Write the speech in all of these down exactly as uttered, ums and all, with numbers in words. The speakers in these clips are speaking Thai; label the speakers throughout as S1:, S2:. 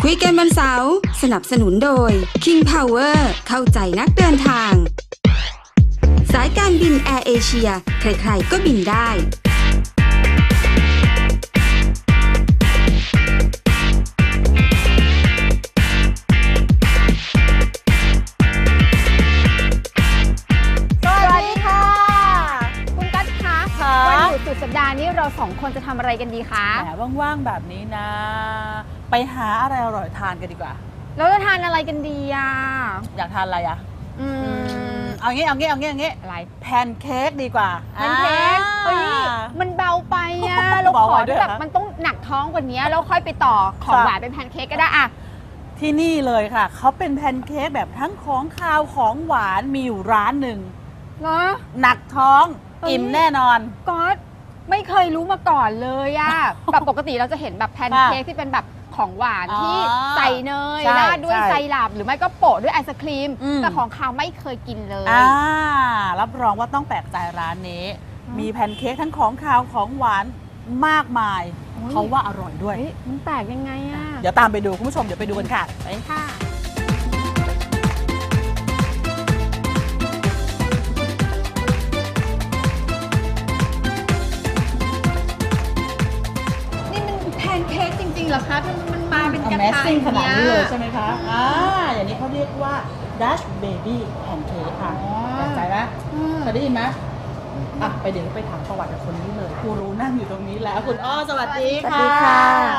S1: คุยกันวันเสาร์สนับสนุนโดย King Power เข้าใจนักเดินทางสายการบินแอร์เอเชียใครๆก็บินได้
S2: สุดสัปดาห์นี้เราสองคนจะทำอะไรกันดีคะ
S3: แหมว่างๆแบบนี้นะไปหาอะไรอร่อยทานกันดีกว่า
S2: เราจะทานอะไรกันดีอ่ะ
S3: อยากทานอะไรอ่ะ
S2: อืม
S3: เอางี้เอางี้เอางี้เอางี้
S2: อะไร
S3: แพนเค้กดีกว่า
S2: แพนเค้กเฮ้ยมันเบาไปอ่ะเราขอที่แบบมันต้องหนักท้องกว่านี้แล้วค่อยไปต่อของหวานเป็นแพนเค้กก็ได้อ่ะ
S3: ที่นี่เลยค่ะเขาเป็นแพนเค้กแบบทั้งของคาวของหวานมีอยู่ร้านหนึ่ง
S2: เหรอ
S3: หนักท้องอิ่มแน่นอน
S2: ก๊อตไม่เคยรู้มาก่อนเลยอะแบบปกติเราจะเห็นแบบแพนเค้กที่เป็นแบบของหวานที่ใส่เนยราดด้วยไซรัปหรือไม่ก็โปะด้วยไอศครีมแต่ของคาวไม่เคยกินเลย
S3: อ่ารับรองว่าต้องแปลกใจร้านนี้มีแพนเค้กทั้งของคาวของหวานมากมายเขาว่าอร่อยด้วย
S2: มันแปลกยังไงอะ
S3: เดี๋ยวตามไปดูคุณผู้ชมเดี๋ยวไปดูกันค่ะไป
S2: ค่ะเหรอคะมันมาเป็นกระทะ
S3: ขนาดนี้เลยใช่ไหมคะอ่าอย่างนี้เขาเรียกว่า Dutch Baby Pancake ค่ะสนใจไหมเคยได้ยินไหมอ่ะไปเดี๋ยวไปถามประวัติกับคนนี้เลยกูรู้นั่งอยู่ตรงนี้แล้วคุณอ้อสวัสดีค่ะสวัสดีค่ะ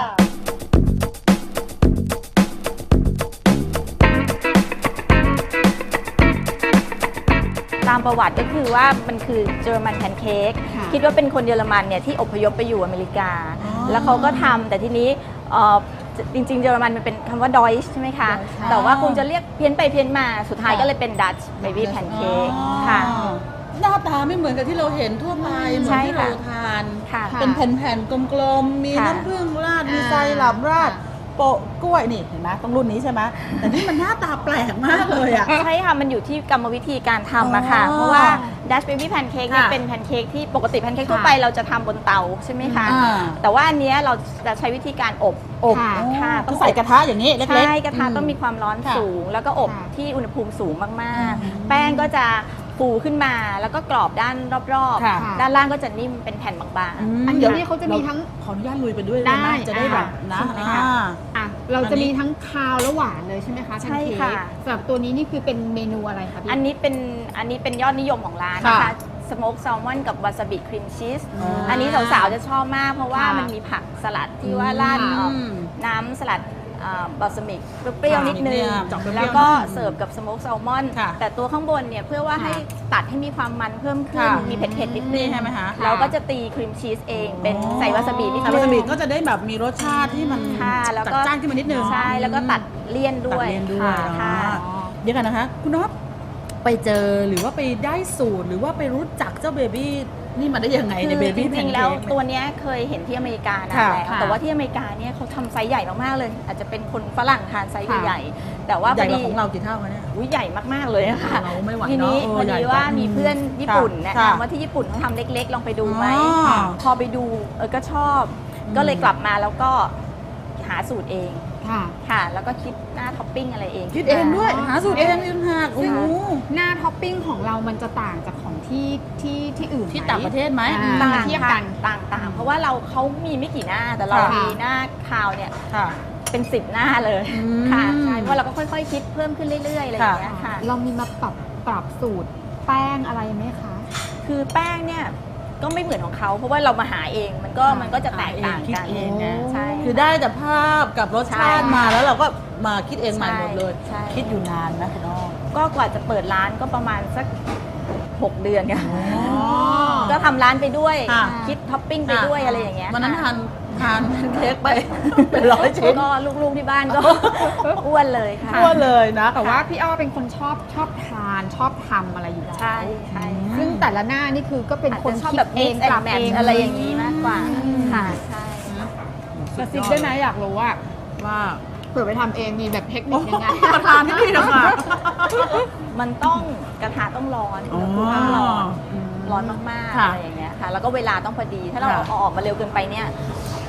S4: ตามประวัติก็คือว่ามันคือเยอรมันแพนเค้กคิดว่าเป็นคนเยอรมันเนี่ยที่อพยพไปอยู่อเมริกาแล้วเขาก็ทำแต่ทีนี้จริงๆเยอรมันมันเป็นคำว่าดอยช์ใช่ไหมคะแต่ว่าคงจะเรียกเพี้ยนไปเพี้ยนมาสุดท้ายก็เลยเป็นดัตช์เบบี้แพนเค้กค่ะ
S3: หน้าตาไม่เหมือนกับที่เราเห็นทั่วไปเหมือนที่เราทานเป็นแผ่นๆกลมๆมีน้ำผึ้งราดมีไซรัปราดโปะกล้วยนี่เห็นไหมต้องรุ่นนี้ใช่ไหมแต่นี่มันหน้าตาแปลกมากเลยอ่ะ
S4: ใช่ค่ะมันอยู่ที่กรรมวิธีการทำอะค่ะเพราะว่า Dutch Baby Pancake เนี่ยเป็นแพนเค้กที่ปกติแพนเค้กทั่วไปเราจะทำบนเตาใช่ไหมคะแต่ว่าอันนี้เราจะใช้วิธีการอบ
S3: อบค่ะต้องใส่กระทะอย่างนี้เล็กๆ
S4: ใช่กระทะต้องมีความร้อนสูงแล้วก็อบที่อุณหภูมิสูงมากๆแป้งก็จะฟูขึ้นมาแล้วก็กรอบด้านรอบๆด้านล่างก็จะนิ่มเป็นแผ่นบาง
S2: ๆอันเดี๋ยวนี้เขาจะมีทั้ง
S3: ขออนุญาตลุยไปด้วยได้จะได้แบบนะ
S2: อ่ะเราจะมีทั้งคาวและหวานเลยใช่ไหมคะ
S4: ใช่ค่ะ
S2: สำหรับตัวนี้นี่คือเป็นเมนูอะไรคะพี่
S4: อันนี้เป็นอันนี้เป็นยอดนิยมของร้านนะคะสโมกแซลมอนกับวาซาบิครีมชีสอันนี้สาวๆจะชอบมากเพราะว่ามันมีผักสลัดที่ว่าราดน้ำสลัดบาสมิกเปรี้ยวนิดนึงแล้วก็เสิร์ฟกับสโมกแซลมอนแต่ตัวข้างบนเนี่ยเพื่อว่าให้ตัดให้มีความมันเพิ่มขึ้นมีเผ็ดๆนิดนึง
S3: ใช่ไหมคะ
S4: เราก็จะตีครีมชีสเองเป็นใส่วาซาบินิดนึง
S3: วาซาบิก็จะได้แบบมีรสชาติที่มันจัดจ้านขึ้นมานิดนึง
S4: ใช่แล้วก็ตัดเลี่ยนด้วย
S3: เดี๋ยวกันนะคะคุณน็อตไปเจอหรือว่าไปได้สูตรหรือว่าไปรู้จักเจ้าเบบี้นี่มาได้ยังไงในเบบี้แพนเค้กจริงๆ
S4: แล้วตัวนี้เคยเห็นที่อเมริกานะแต่ว่าที่อเมริกาเนี่ยเขาทำไซส์ใหญ่มากๆเลยอาจจะเป็นคนฝรั่งทานไซส์ใหญ่ๆแต่ว่า
S3: ใหญ่กว่าของเรากี่เท่าคะเนี่ย
S4: อุ้ยใหญ่มากๆเลยค่ะทีนี้พอดีว่ามีเพื่อนญี่ปุ่นแนะนำว่าที่ญี่ปุ่นเขาทำเล็กๆลองไปดูไหมพอไปดูเออก็ชอบก็เลยกลับมาแล้วก็หาสูตรเองค่ะค่ะแล้วก็คิดหน้าท็อปปิ้งอะไรเอง
S3: คิดเองด้วยหาสูตรเองเองหัก
S2: ซึ่งหน้าท็อปปิ้งของเรามันจะต่างจากของที่ที่ที่อื่น
S3: ที่ต่างประเทศไหม
S4: ต่างเทียบกันต่างๆเพราะว่าเราเขามีไม่กี่หน้าแต่เรามีหน้าคาวเนี่ยเป็นสิบหน้าเลยค่ะใช่เพราะเราก็ค่อยๆคิดเพิ่มขึ้นเรื่อยๆอะไรอย่างเงี้ยค่ะ
S2: เรามีมาปรับปรับสูตรแป้งอะไรไหมคะ
S4: คือแป้งเนี่ยก็ไม่เหมือนของเขาเพราะว่าเรามาหาเองมันก็มันก็จะแตกต่างกัน
S3: เองนะใช่คือได้แต่ภาพกับรสชาติมาแล้วเราก็มาคิดเองใหม่หมดเลยคิดอยู่นานนะคุณน้อง
S4: ก็กว่าจะเปิดร้านก็ประมาณสักหกเดือนค่ะก็ทำร้านไปด้วยคิดท็อปปิ้งไปด้วยอะไรอย่างเงี้ย
S3: วันนั้นทานทานเค้กไปเป็นร้อยชิ้น
S4: ก็ลูกๆที่บ้านก็อ้วนเลยค่ะ
S3: อ้วนเลยนะ
S2: แต่ว่าพี่อ้อเป็นคนชอบชอบทานชอบทำอะไรอยู่แล้ว
S4: ใช่ใช่
S2: ซึ่งแต่ละหน้านี่คือก็เป็นคน
S4: ชอบแบบเองปรับเองอะไรอย่างนี้มากกว่าค่ะใช่
S2: กระซิบได้ไหมอยากรู้ว่า
S3: ว่า
S2: เผื่อไปทำเองมีแบบเทคนิคยังไง
S3: ประธานที่นี่นะคะ
S4: มันต้องกระทะต้องร้อนอุณหภูมิต้องร้อนร้อนมากๆอะไรอย่างเงี้ยค่ะแล้วก็เวลาต้องพอดีถ้าเราเอาออกมาเร็วเกินไปเนี่ย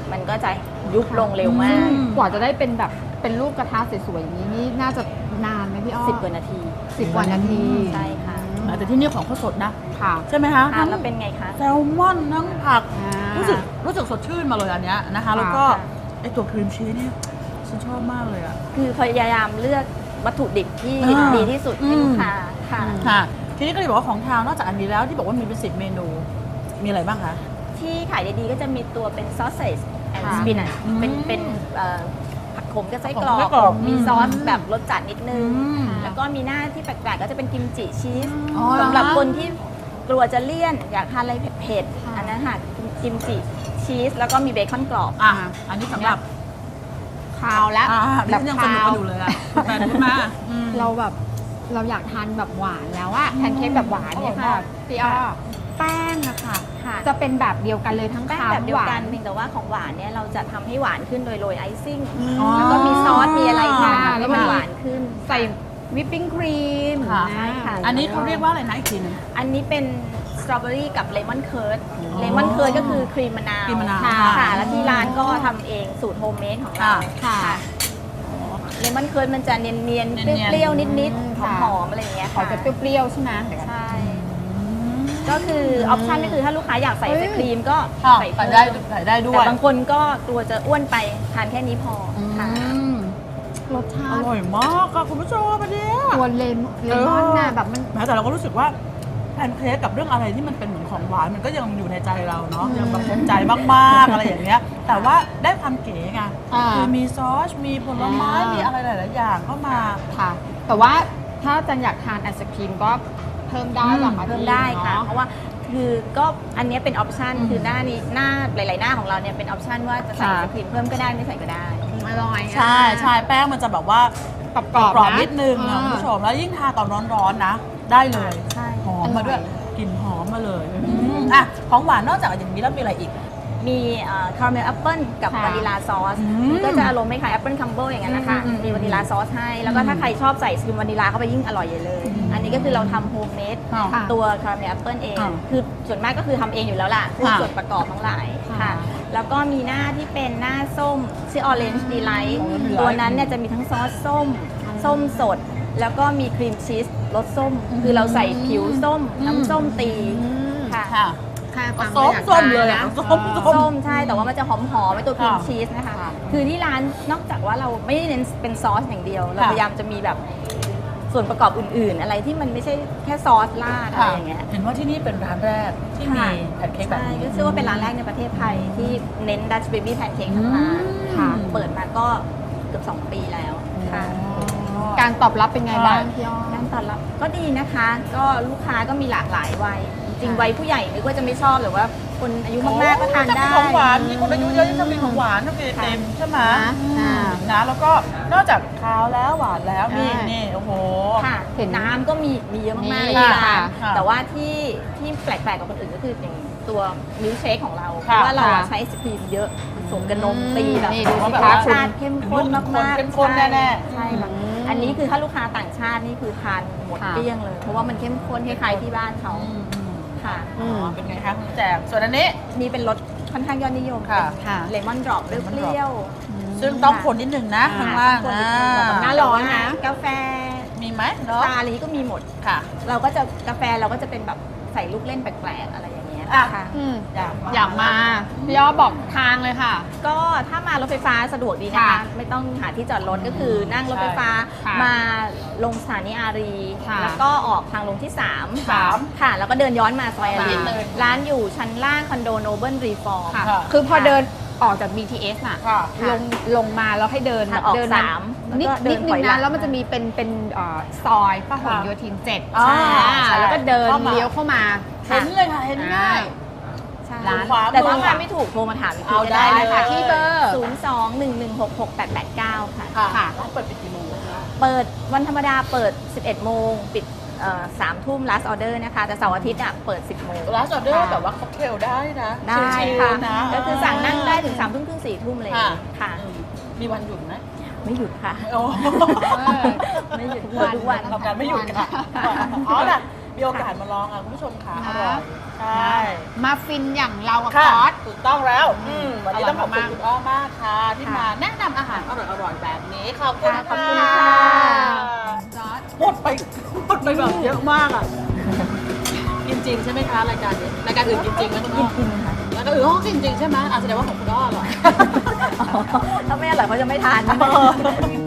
S4: มันก็จะยุบลงเร็วมาก
S2: กว่าจะได้เป็นแบบเป็นรูปกระทะสวยๆอย่างนี้นี่น่าจะนานไหมพี่อ้อ
S4: สิบกว่านาที
S2: สิบกว่านาที
S4: ใช่ค่ะ
S3: แต่ที่นี่ของเขาสดนะ
S2: ค่ะ
S3: ใช่ไหมคะ
S4: ทานแล้วเป็นไงคะ
S3: แซลมอนทั้งผัก
S2: อ่ารู้
S3: รู้สึกรู้สึกสดชื่นมาเลยอันเนี้ยนะคะ แล้วก็
S4: ค่ะ
S3: ไอตัวครีมชีสเนี่ยฉันชอบมากเลยอ่ะ
S4: คือพยายามเลือกวัตถุดิบที่
S3: อ่า
S4: ดีที่สุดให้ลูกค้าค่ะ
S3: ค่ะ ทีนี้ก็เลยบอกว่าของทางนอกจากอันนี้แล้วที่บอกว่ามีเป็นสิบเมนู มีอะไรบ้างคะ
S4: ที่ขายดีๆก็จะมีตัวเป็นซอสเซจแอนด์
S2: ค่ะ
S4: สปินัช
S3: อืม
S4: เป็นเป็นเอ่อผักขมกับไส้กรอ
S3: ผักขมไส้
S4: ก
S3: กรอก
S4: มี
S3: อืม
S4: ซอสแบบรสจัดนิดนึง
S3: อืม
S4: แล้วก็มีหน้าที่แปลกๆก็จะเป็นกิมจิชีส
S3: อ๋อเหรอ
S4: สำหรับคนที่กลัวจะเลี่ยน อยากทานอะไรเผ็ด
S2: ค่ะ
S4: ๆอันนั้นค่ะกิมจิชีสแล้วก็มีเบคอนกรอบ
S3: อ่ะอันนี้สำหรับ
S2: คาวแล้ว
S3: อ่า
S2: แบบ
S3: ดิฉันยังสนุก
S2: คาว
S3: กันอยู่เลยอ่ะคุณแฟนพูดมาอืม
S2: เราแบบเราอยากทานแบบหวานแล้วอะแพนเค้กแบบหวานเนี่ย
S3: อร่อย
S2: ค่ะ
S3: มาก
S2: พี่อ้อแป้งอะค่ะ
S4: ค่ะ
S2: จะเป็นแบบเดียวกันเลยทั้ง
S4: แป้ง
S2: คาว
S4: แบบเดียว
S2: หวา
S4: กัน
S2: น
S4: เพียงแต่ว่าของหวานเนี่ยเราจะทำให้หวานขึ้นโดยโรยไอซิ่ง
S3: อ๋อ
S4: แล้วก็มีซอสมีอะไรค่ะ
S2: ค่ะ
S4: แล้วมันหวานขึ้น
S2: ใส่วิปปิ้งครีม
S3: ค่ะ
S4: ใช่ค่ะ
S3: อันนี้เขาเรียกว่าอะไรนะอีกทีหนึง
S4: อันนี้เป็นสตรอเบอรี่กับเลมอนเคิร์ดเลมอนเคิร์ดก็คือครีมมะนาว
S3: ครีมมะนาว
S4: ค่ะ
S3: ค่ะ
S4: ค่ะ แล้วที่ร้านก็ทำเองสูตรโฮมเมดของเรา
S3: ค่ะ
S2: ค่ะ
S4: เลมอนเคิร์ดมันจะเนียนเนียนๆ
S3: เนียนๆ
S4: เปรี้ยวๆนิด
S2: อืม
S4: ๆ
S2: ค่ะ
S4: หอมๆอะไรอย่างเงี้ย
S2: ขอ
S4: ค่ะ
S2: จะเปรี้ยวๆใช่ไหม
S4: ใช่ ก็คือออปชันก็คือถ้าลูกค้าอยากใส่ไอศครีมก็
S3: ค่ะ
S4: ใส่
S3: ใส่
S4: เพิ่ม
S3: ได้ใส่ได้ด้ว
S4: แต่
S3: ย
S4: บางคนก็กลัวจะอ้วนไปทานแค่นี้พอค่ะ
S3: อืม
S2: รสชา
S3: อ
S2: ติ
S3: ร่อยมากค่ะคุณผู้ชมอันเนี้ย
S2: ตัวเลมเลมอนน่ะแบบมัน
S3: แม้แต่เราก็รู้สึกว่าแพนเค้กกับเรื่องอะไรที่มันเป็นเหมือนของหวานมันก็ยังอยู่ในใจเราเนาะ
S2: อืม
S3: ยังแบบภูมิใจมากๆอะไรอย่างเงี้ย แต่ว่าได้ความเก๋ไง
S2: อ่า
S3: คือมีซอสมีผลไม้
S2: อ่ามี
S3: มีอะไรหลายๆอย่างเข้ามา
S2: ค่ะ แต่ว่าถ้าจันอยากทานไอศครีมก็เพิ่มได้หรอคะ
S4: เพิ่มได้ค่ะ
S2: เนอ
S4: เพราะว่าคือก็อันเนี้ยเป็นออปชัน
S3: อืม
S4: คือหน้านี้หน้าหลาย ๆ หน้าของเราเนี่ยเป็นออปชันว่าจะใส่
S2: ค่ะ
S4: ไอศครีมเพิ่มก็ได้ไม่ใส่ก็ได้
S2: อร่อยอะ
S3: ใช่ใช่แป้งมันจะแบบว่าก
S2: รอบ
S3: กรอบ
S2: ๆะ
S3: นิดนึงอะคุณผู้ชมแล้วยิ่งทาตอนร้อนๆนะ ได้เลย
S4: ใช่
S3: หอมมาด้วยกลิ่นหอมมาเลยอืมอ่ะของหวานนอกจากอย่างนี้แล้วมีอะไรอีก
S4: มีคาราเมลแอปเปิลกับ
S2: ค่ะ
S4: วานิลาซอส
S3: อืม
S4: ก็จะอารมณ์ไม่คล้ายแอปเปิลคัมเบิลอย่างนั้นนะคะ
S3: อืมอืม
S4: มีวานิลาซอสให้ แล้วก็ถ้าใครชอบใส่ครีมวานิลาเข้าไปยิ่งอร่อยใหญ่เลย อันนี้ก็คือเราทำโฮมเมด
S3: ค่ะ
S4: ตัวคาราเมลแอปเปิลเอง
S3: ค่ะ
S4: คือส่วนมากก็คือทำเองอยู่แล้วล่ะพวก
S3: ค่ะ
S4: ส่วนประกอบทั้งหลาย
S2: ค่ะ
S4: ค่ะ แล้วก็มีหน้าที่เป็นหน้าส้มชื่อ Orange Delight
S3: Orange Delight
S4: ตัวนั้นเนี่ยจะมีทั้งซอสส้ม ส้มสด แล้วก็มีครีมชีสรสส้ม คือเราใส่ผิวส้ม น้ำส้มตี
S2: อืม
S4: ค่ะ
S3: ค่ะ
S2: ค่ะฟัง
S3: ส้ม
S2: แล้วอยาก
S3: ส้ม
S2: ทาน
S3: เลยอะ
S2: นะ
S3: ส้ม
S2: อ๋อ
S4: ส้มใช่ แต่ว่ามันจะหอมหอมในตัวครีม
S3: ค่ะ
S4: ชีสนะคะ
S2: ค่ะ
S4: คือที่ร้านนอกจากว่าเราไม่ได้เน้นเป็นซอสอย่างเดียว เรา
S3: ค่ะ
S4: พยายามจะมีแบบส่วนประกอบอื่นๆ อะไรที่มันไม่ใช่แค่ซอสราดอะไรอย่างเงี้ย
S3: เห็นว่าที่นี่เป็นร้านแรกที่มี
S4: ค่ะ
S3: แพนเค้กแบบ
S4: ใช่
S3: นี้
S4: ก็เชื่อว่าเป็นร้านแรกในประเทศไทยที่เน้นดัชเบบี้แพนเค้กทั้งร้าน
S2: ค่ะ
S4: เปิดมาก็เกือบสองปีแล้วค่ะ
S2: การตอบรับเป็นไงบ้างพี่อ้อ
S4: การตอบรับก็ดีนะคะ ก็ลูกค้าก็มีหลากหลายวัย จริงๆวัยผู้ใหญ่นึกว่าจะไม่ชอบหรือว่าคนอายุมากๆก็ทานได้
S3: จะมีของหวานมีคนอายุเยอะที่จะมีของหวานต้องมีเต็มใช่ไหม
S2: อ่า
S3: นะแล้วก็นอกจากคาวแล้วหวานแล้วนี่
S2: ใช่
S3: นี่โอ้โห
S4: ค่ะ
S2: เห็น
S4: น้ำก็มีมีเยอะมากๆเลย
S2: มี
S4: ที่ร้าน
S3: ค่ะ
S4: แต่ว่าที่ที่แปลกๆกว่าคนอื่นก็คืออย่างตัวมิลค์เชคของเราเพ
S3: ค่ะ
S4: ราะว่าเราอะ
S2: ค่ะ
S4: ใช้ไอศครีมเยอะผสมกับนมตีแบบ
S2: นี่ดูสิ
S3: แบบ
S2: คะ
S3: ว่า
S4: ชาติเข้มข้นมากๆ
S3: เข้มข้นแน่ๆ
S4: ใช่ค่ะ
S2: อืม
S4: อันนี้คือถ้าลูกค้าต่างชาตินี่คือทานหมด
S2: ค่ะ
S4: เกลี้ยงเลย เพราะว่ามันเข้มข้นคล้ายๆที่บ้านเขา
S3: อืมอืม
S4: ค่ะ
S3: อ๋อเป็นไงคะคุณแจมส่วนอันนี้
S4: นี่เป็นรสค่อนข้างยอดนิยม
S3: ค่ะ
S2: ค่ะ
S4: เลมอนดรอปเป
S3: Lemon
S4: รี้ยว
S3: ซึ่งต้องคนนิดนึงนะ
S4: ๆ
S3: ข้างล่าง
S4: คน
S3: อ่
S4: นิดนึง
S3: า
S2: หน้าร้อนนะ
S4: กาแฟ
S3: มีไหมเนาะ
S4: ชาอะไรนี้ก็มีหมด
S3: ค่ะ
S4: เราก็จะกาแฟเราก็จะเป็นแบบใส่ลูกเล่นแปลกๆอะไรอย่างเงี้ย
S3: อ่ะ
S4: ค่ะ
S2: อืม
S3: อยาก
S2: อยากมาพี่อ้อบอกทางเลยค่ะ
S4: ก็ถ้ามารถไฟฟ้าสะดวกดีนะคะ
S2: ค่ะ
S4: ไม่ต้องหาที่จอดรถก็คือนั่งรถไฟฟ้า
S2: ค่ะ
S4: มาลงสถานีอารี
S2: ค่ะ
S4: แล้วก็ออกทางลงที่สาม
S3: สาม
S4: ค่ะ แล้วก็เดินย้อนมาซอยอารี
S3: มาเลย
S4: ร้านอยู่ชั้นล่างคอนโดโนเบิลรีฟอร์ม
S2: ค่ะ
S3: ค่ะ
S2: คือพอ
S4: ค่ะ
S2: เดินออกจาก บี ที เอส น่ะ
S3: ค่ะ
S2: ลงลงมาแล้วให้เดิน
S4: ทางออก
S2: เดิน
S4: สาม
S2: นิด
S4: แล้วก็เดิ
S2: นิด
S4: น
S2: นึ
S4: ถอย
S2: ง
S4: หลั
S2: นะ
S4: ง
S2: แล้วมันจะมีเป็นเป็นเอ่อซอยพหลโยธินเจ็ด
S3: อ่า
S2: อ่า
S3: ใช่
S2: แล้วก็เดิน
S3: เข้ามา
S2: เลี้ยวเข้ามา
S3: เห็นเลยค่ะเห็นง่าย
S4: ใช่
S2: ร้าน
S4: แต่ถ้ามาไม่ถูกโทรมาถามอีกที
S3: เอา
S4: ก็
S3: ได้
S4: ได้
S3: เลย
S4: ค่ะ
S2: ที่เบอร์
S4: ศูนย์สองหนึ่งหนึ่งหกหกแปดแปดเก้าค่ะ
S3: ค่ะ
S2: ค่ะ
S3: ร้านเปิดปิดกี่โมงคะ
S4: เปิดวันธรรมดาเปิด สิบเอ็ดโมงปิดสามทุ่ม last order นะคะ แต่เสาร์อาทิตย์อ่ะเปิด สิบโมง
S3: ร้านออเดอร์
S2: ค่ะ
S3: แบบว่าค็อกเทลได้นะ
S4: ได้
S3: ชิล
S4: ค่ะ
S3: ๆนะ
S4: ก็คือสั่งนั่งได้ถึงสามทุ่มครึ่งสี่ทุ่มเลย
S3: ค่ะ
S4: ค่ะ
S3: อืมมีวันหยุดไหม
S4: ไม่หยุดค่ะ
S3: โอ้
S2: เออ
S4: ไม่หยุด
S2: ทุกวัน
S4: เปิดทุกวัน
S3: ทำการไม่หยุดค่ะ
S2: ค่ะ
S3: อ๋อล่ะมีโอกาสมาลองอ่ะคุณผู้ชมค่ะอร่อยใช่
S2: มาฟินอย่างเรากับ
S3: ค่ะ
S2: ซอส
S3: ถูกต้องแล้วอืมวันนี้
S2: อร่อย
S3: ต้องขอบคุณ
S2: มากๆ
S3: คุณอ้อมากค่ะ ที่มาแนะนำอาหารอร่อยๆแบบนี้ขอบคุณ
S2: ค่ะขอบ
S3: ค่ะ
S2: คุณค่ะซอส
S3: หมดไปหมดไปแบบเยอะมากอ่ะกินจริงใช่ไหมคะรายการนี้รายการอื่นกินจริงไหมคุณอ้อกินค่ะรายการอื่นเขาก็กินจริงใช่ไหมอ่ะแสดงว่าของคุณอ้ออร่อย
S4: ถ้าไม่อร่อยเขาจะไม่ทาน
S3: เออ